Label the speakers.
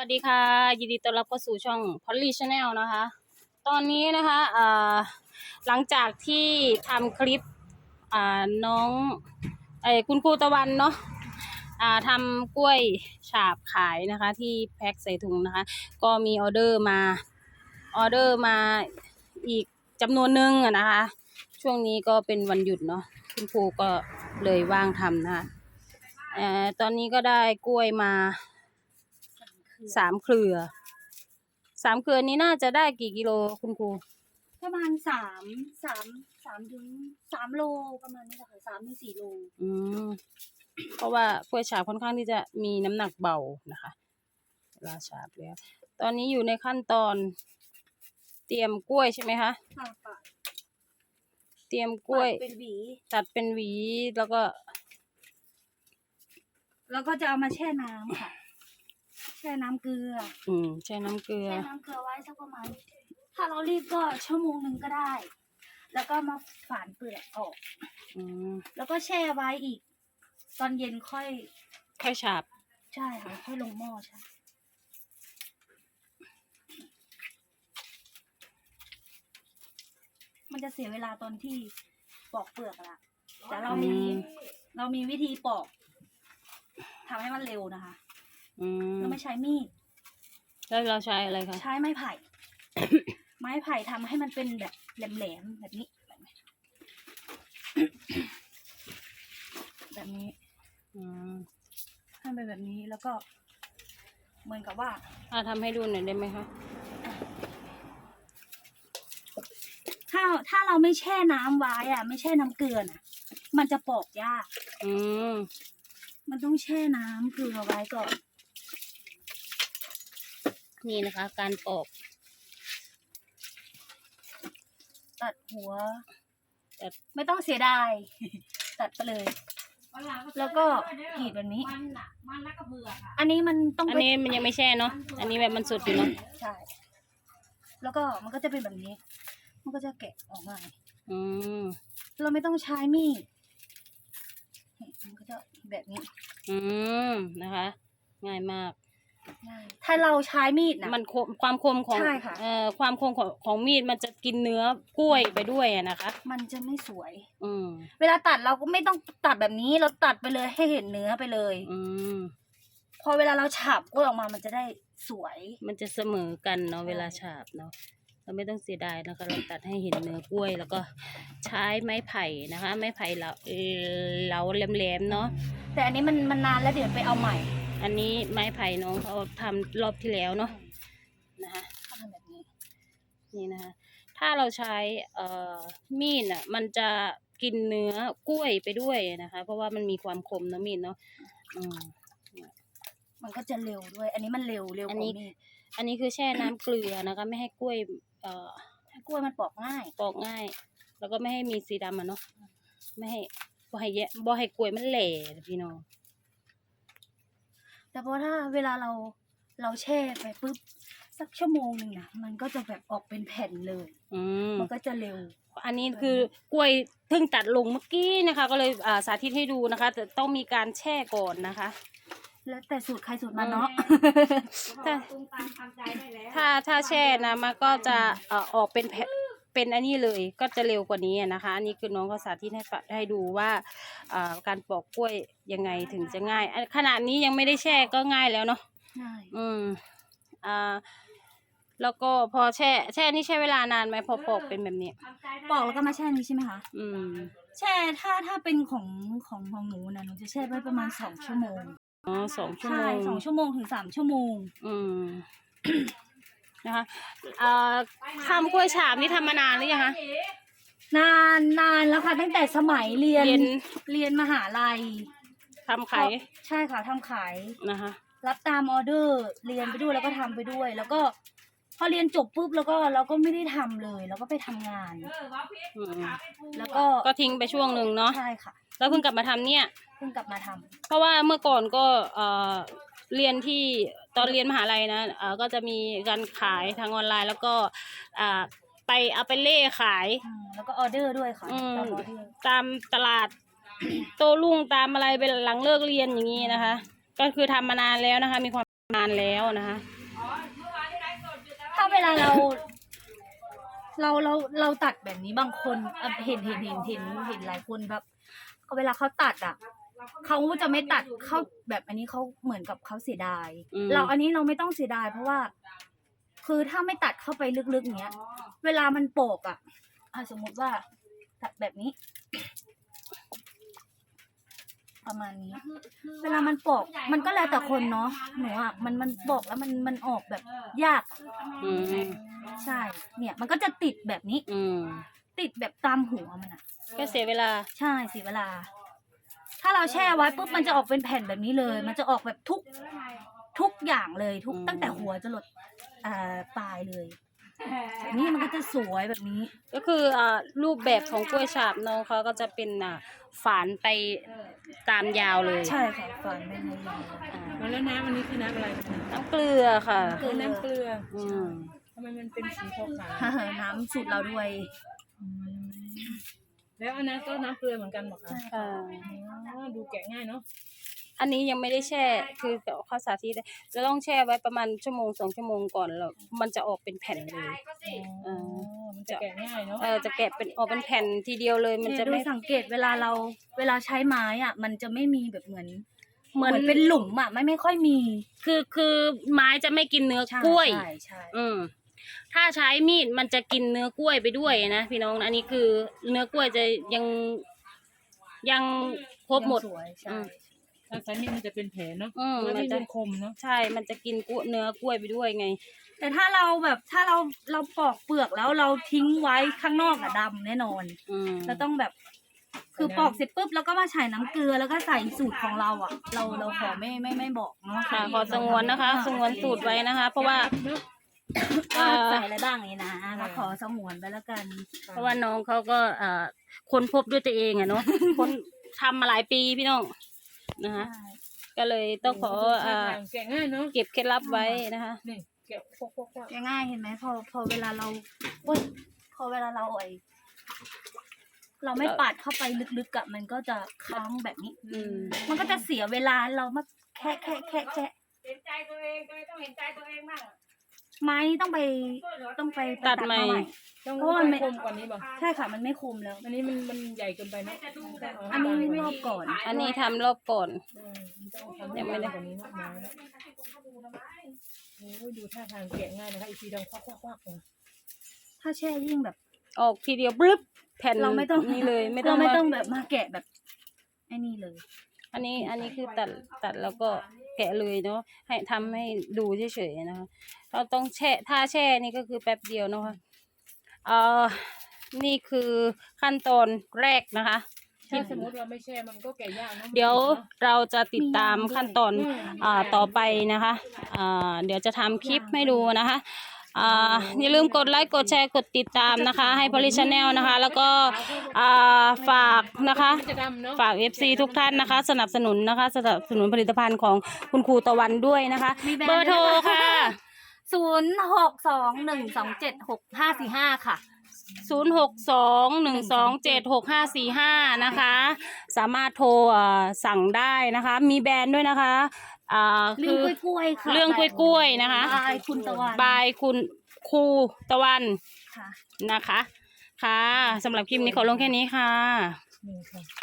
Speaker 1: วัสดีค่ะยินดีต้อนรับเข้าสู่ช่อง Polly Channel นะคะตอนนี้นะคะหลังจากที่ทำคลิปน้องคุณครูตะวันเนาะทำกล้วยฉาบขายนะคะที่แพ็คใส่ถุงนะคะก็มีออเดอร์มาอีกจำนวนหนึ่งนะคะช่วงนี้ก็เป็นวันหยุดเนาะคุณครูก็เลยว่างทำนะคะตอนนี้ก็ได้กล้วยมา3 เครือนี้น่าจะได้กี่กิโลคุณครู
Speaker 2: ประมาณ3 ถึง 3 โลประมาณนี้แหละค่ะ3 ถึง 4 โล
Speaker 1: เพราะว่ากล้วยฉาบค่อนข้างที่จะมีน้ำหนักเบานะคะเวลาฉาบแล้วตอนนี้อยู่ในขั้นตอนเตรียมกล้วยใช่ไหมคะเตรียมกล้วยตัดเป็นหวีแล้วก็
Speaker 2: จะเอามาแช่น้ำค่ะแช่น้ำเกลือ
Speaker 1: แช่น้ำเกลือ
Speaker 2: ไว้สักประมาณถ้าเรารีบก็ชั่วโมงนึงก็ได้แล้วก็มาฝานเปลือกออกแล้วก็แช่ไว้อีกตอนเย็นค่อย
Speaker 1: ฉาบ
Speaker 2: ใช่ค่ะค่อยลงหม้อใช่มันจะเสียเวลาตอนที่ปอกเปลือกละแต่เรามีวิธีปอกทำให้มันเร็วนะคะเราไม่ใช้มีด
Speaker 1: แล้วเราใช้อะไรคะ
Speaker 2: ใช้ไม้ไผ่ ไม้ไผ่ทำให้มันเป็นแบบแหลมๆแบบนี้ให้เป็นแบบนี้แล้วก็เหมือนกับว่า
Speaker 1: ทำให้ดูหน่อยได้ไหมคะ
Speaker 2: ถ้าเราไม่แช่น้ำไว้ไม่แช่น้ำเกลือมันจะปอกยากมันต้องแช่น้ำเกลือไว้ก่อน
Speaker 1: นี่นะคะการปอก
Speaker 2: ตัดหัวไม่ต้องเสียดายตัดไปเลยแล้วก็กรีดแบบนี้อันนี้มัน
Speaker 1: ยังไม่แช่เนาะอันนี้แบบมันสดอยู่เนาะ
Speaker 2: ใช่แล้วก็มันก็จะเป็นแบบนี้มันก็จะแกะออกมาเราไม่ต้องใช้มีดมันก็จะแบบนี้
Speaker 1: นะคะง่ายมาก
Speaker 2: ถ้าเราใช้มีด
Speaker 1: มันความคมของความคมของมีดมันจะกินเนื้อกล้วยไปด้วยนะคะ
Speaker 2: มันจะไม่สวยเวลาตัดเราก็ไม่ต้องตัดแบบนี้เราตัดไปเลยให้เห็นเนื้อไปเลยพอเวลาเราฉาบกล้วยออกมามันจะได้สวย
Speaker 1: มันจะเสมอกันเนาะเวลาฉาบเนาะเราไม่ต้องเสียดายนะคะเราตัดให้เห็นเนื้อกล้วยแล้วก็ใช้ไม้ไผ่นะคะไม้ไผ่เราแหลมๆเนาะ
Speaker 2: แต่อันนี้มันนานแล้วเดี๋ยวไปเอาใหม่
Speaker 1: อันนี้ไม้ไผ่น้องเขาทำรอบที่แล้วเนาะนะคะ
Speaker 2: เขาทำแบบนี้
Speaker 1: นี่นะคะถ้าเราใช้มีดมันจะกินเนื้อกล้วยไปด้วยนะคะเพราะว่ามันมีความคมเนาะมีดเนาะ
Speaker 2: มันก็จะเร็วด้วยอันนี้มันเร็วกว่ามีด
Speaker 1: อันนี้คือแช่น้ำเกลือนะคะไม่ให้กล้วย
Speaker 2: ให้กล้วยมันปอกง่าย
Speaker 1: แล้วก็ไม่ให้มีสีดำเนาะไม่ให้บ่ให้กล้วยมันแหล่พี่น้อง
Speaker 2: แต่เพราะถ้าเวลาเราแช่ไปปุ๊บสักชั่วโมงนึงมันก็จะแบบออกเป็นแผ่นเลยมันก็จะเร็ว
Speaker 1: อันนี้คือกล้วยเพิ่งตัดลงเมื่อกี้นะคะก็เลยสาธิตให้ดูนะคะแต่ต้องมีการแช่ก่อนนะคะ
Speaker 2: แล้วแต่สูตรใครสูตรมันเนาะ
Speaker 1: ถ้าแช่นะมันก็จะออกเป็นอันนี้เลยก็จะเร็วกว่านี้นะคะอันนี้คือน้องเขาสาธิตให้ดูว่าการปอกกล้วยยังไงถึงจะง่ายขนาดนี้ยังไม่ได้แช่ก็ง่ายแล้วเนาะ
Speaker 2: ง่าย
Speaker 1: แล้วก็พอแช่นี่ใช้เวลานานไหมพอปอกเป็นแบบนี้
Speaker 2: ปอกแล้วก็มาแช่นี้ใช่ไหมคะแช่ถ้าเป็นของหนูนะหนูจะแช่ไว้ประมาณ2 ชั่วโมง
Speaker 1: 2 ชั่วโมง
Speaker 2: 2 ชั่วโมงถึง3 ชั่วโมง
Speaker 1: นะคะทำกล้วยฉาบนี่ทำมานานหรือยังคะ
Speaker 2: นานแล้วค่ะตั้งแต่สมัยเรียนมหาลัย
Speaker 1: ทำขาย
Speaker 2: ใช่ค่ะทำขาย
Speaker 1: นะคะ
Speaker 2: รับตามออเดอร์เรียนไปด้วยแล้วก็ทำไปด้วยแล้วก็พอเรียนจบปุ๊บแล้วก็เราก็ไม่ได้ทำเลยแล้วก็ไปทำงาน
Speaker 1: แล้วก็ทิ้งไปช่วงหนึ่งเนาะ
Speaker 2: ใช่ค่ะ
Speaker 1: แล้วเพิ่งกลับมาทำเนี่ย
Speaker 2: เพิ่งกลับมาทำ
Speaker 1: เพราะว่าเมื่อก่อนก็เรียนที่ตอนเรียนมหาลัยนะก็จะมีการขายทางออนไลน์แล้วก็เอาไปเล่ขาย
Speaker 2: แล้วก็ออเดอร์ด้วยค่ะ
Speaker 1: ตามตลาดโต้รุ่งตามอะไรเป็นหลังเลิกเรียนอย่างนี้นะคะก็คือทำมานานแล้วนะคะมีความนานแล้วนะคะ
Speaker 2: ถ้าเวลาเราตัดแบบนี้บางคนเห็นหลายคนแบบเวลาเขาตัดอ่ะเขาจะไม่ตัดเข้าแบบอันนี้เขาเหมือนกับเขาเสียดายอันนี้เราไม่ต้องเสียดายเพราะว่า คือถ้าไม่ตัดเข้าไปลึกๆเนี้ยเวลามันโปกอ่ะสมมติว่าตัดแบบนี้ ประมาณนี้ เวลามันปอกมันก็แล้วแต่คนเนาะหนูอ่ะมันปอกแล้วมันออกแบบยากใช่ เนี่ยมันก็จะติดแบบนี้ติดแบบตามหัวมันอ่ะ
Speaker 1: ก็เสียเวลา
Speaker 2: ใช่เสียเวลา ถ้าเราแช่ไว้ปุ๊บมันจะออกเป็นแผ่นแบบนี้เลย มันจะออกแบบทุกอย่างเลยตั้งแต่หัวจรดปลายเลยแบบนี้มันก็จะสวยแบบนี้
Speaker 1: ก็คือรูปแบบของกล้วยฉาบน้องเขาก็จะเป็นฝานไปตามยาวเลย
Speaker 2: ใช่ค่ะฝานไม่ยาว
Speaker 3: แล้วน้ำอันนี้คือน้ำอะไร
Speaker 1: น้ำเกลือค่ะ
Speaker 3: คือน้ำเกลือทำไมมันเป็นสีขาวๆ
Speaker 2: น้ำสูตรเราด้วย
Speaker 3: แล้วอันนั้นก็น้ำเกลือเหมือนกันบอกคะ
Speaker 1: ค่ะ
Speaker 3: ดูแกะง่ายเนาะ
Speaker 1: อันนี้ยังไม่ได้แช่คือเขาสาธิตจะต้องแช่ไว้ประมาณ1-2 ชั่วโมงก่อนแล้วมันจะออกเป็นแผ่นเลย
Speaker 3: มันจะแกะง่ายเนาะ
Speaker 1: จะแกะเป็นออกเป็นแผ่นทีเดียวเลยมันจะไม่
Speaker 2: สังเกตเวลาใช้ไม้อ่ะมันจะไม่มีแบบเหมือนเป็นหลุมอ่ะไม่ค่อยมี
Speaker 1: คือไม้จะไม่กินเนื้อกล้วย
Speaker 2: ใช่
Speaker 1: ถ้าใช้มีดมันจะกินเนื้อกล้วยไปด้วยนะพี่น้องอันนี้คือเนื้อกล้วยจะยังครบหมด
Speaker 3: ถ้าใช้มีดมันจะเป็นแผลเนาะ
Speaker 1: มันจะ
Speaker 3: คมเนาะ
Speaker 1: ใช่มันจะกินเนื้อกล้วยไปด้วยไง
Speaker 2: แต่ถ้าเราปอกเปลือกแล้วเราทิ้งไว้ข้างนอกอะดำแน่นอนเราต้องแบบคือปอกเสร็จปุ๊บแล้วก็มาใส่น้ำเกลือแล้วก็ใส่สูตรของเราอ่ะเราขอไม่บอกเนาะ
Speaker 1: ค่ะขอสงวนนะคะสงวนสูตรไว้นะคะ เพราะว่า
Speaker 2: ใส่อะไรบ้างนี่นะก็ขอสงวนไปแล้วกัน
Speaker 1: เพราะว่าน้องเขาก็ค้นพบด้วยตัวเองอะเนาะ ค้นทำมาหลายปีพี่น้องนะคะก็เลยต้องขอ
Speaker 3: แกะง่ายเนาะ
Speaker 1: เก็บเคล็ดลับไว้นะคะ
Speaker 3: นี่แกะ
Speaker 2: ง่ายเห็นไหมพอเวลาเราเราไม่ปาดเข้าไปลึกๆอะมันก็จะค้างแบบนี้มันก็จะเสียเวลาเรามาแค่
Speaker 3: เห็นใจตัวเองต้องเห็นใจตัวเองบ้าง
Speaker 2: ไม้ต้องไป
Speaker 1: ตัดใหม่
Speaker 3: เพราะมันไม่คมกว่านี้ป่ะ
Speaker 2: ใช่ค่ะมันไม่คมแล้ว
Speaker 3: อันนี้มันใหญ่เกินไปเนาะ
Speaker 2: อันนี้รอบก่อน
Speaker 1: อันนี้ทำรอบก่อน
Speaker 3: ยังไม่ได้กว่านี้มากโอ้ยดูท่าทางแกะง่ายนะคะอีกทีดังควัก
Speaker 2: ถ้าแช่ยิ่งแบบ
Speaker 1: ออกทีเดียวบลึ๊บแผ่น
Speaker 2: เราไม่ต้อง
Speaker 1: นี่เลยไม่ต้
Speaker 2: เรา
Speaker 1: อง
Speaker 2: ไม่ต้องแบบมาแกะแบบไอ้นี่เลย
Speaker 1: อันนี้คือตัดแล้วก็แกะเลยเนาะให้ทำให้ดูเฉยๆนะคะเราต้องแช่ถ้าแช่นี่ก็คือแป๊บเดียวนะคะนี่คือขั้นตอนแรกนะคะ
Speaker 3: ถ้าสมมติเราไม่แช่มันก็แกะยากนะ
Speaker 1: เดี๋ยวเราจะติดตามขั้นตอนต่อไปนะคะเดี๋ยวจะทำคลิปให้ดูนะคะอย่าลืมกดไลค์กดแชร์กดติดตามนะคะให้พอลิชแนลนะคะแล้วก็ฝากนะคะฝาก FC ทุกท่านนะคะสนับสนุนนะคะสนับสนุนผลิตภัณฑ์ของคุณครูตะวันด้วยนะคะเบอร์โทรค่ะ
Speaker 2: 0621276545 ค่ะ
Speaker 1: 0621276545นะคะสามารถโทรสั่งได้นะคะมีแบรนด์ด้วยนะคะ
Speaker 2: เรื่องกล้วยค่ะ
Speaker 1: เรื่องกล้วยๆนะคะ
Speaker 2: บายคุณตะวัน
Speaker 1: บายคุณครูตะวัน
Speaker 2: ค่ะ
Speaker 1: นะคะค่ะสำหรับคลิปนี้ขอลงแค่นี้ค่ะ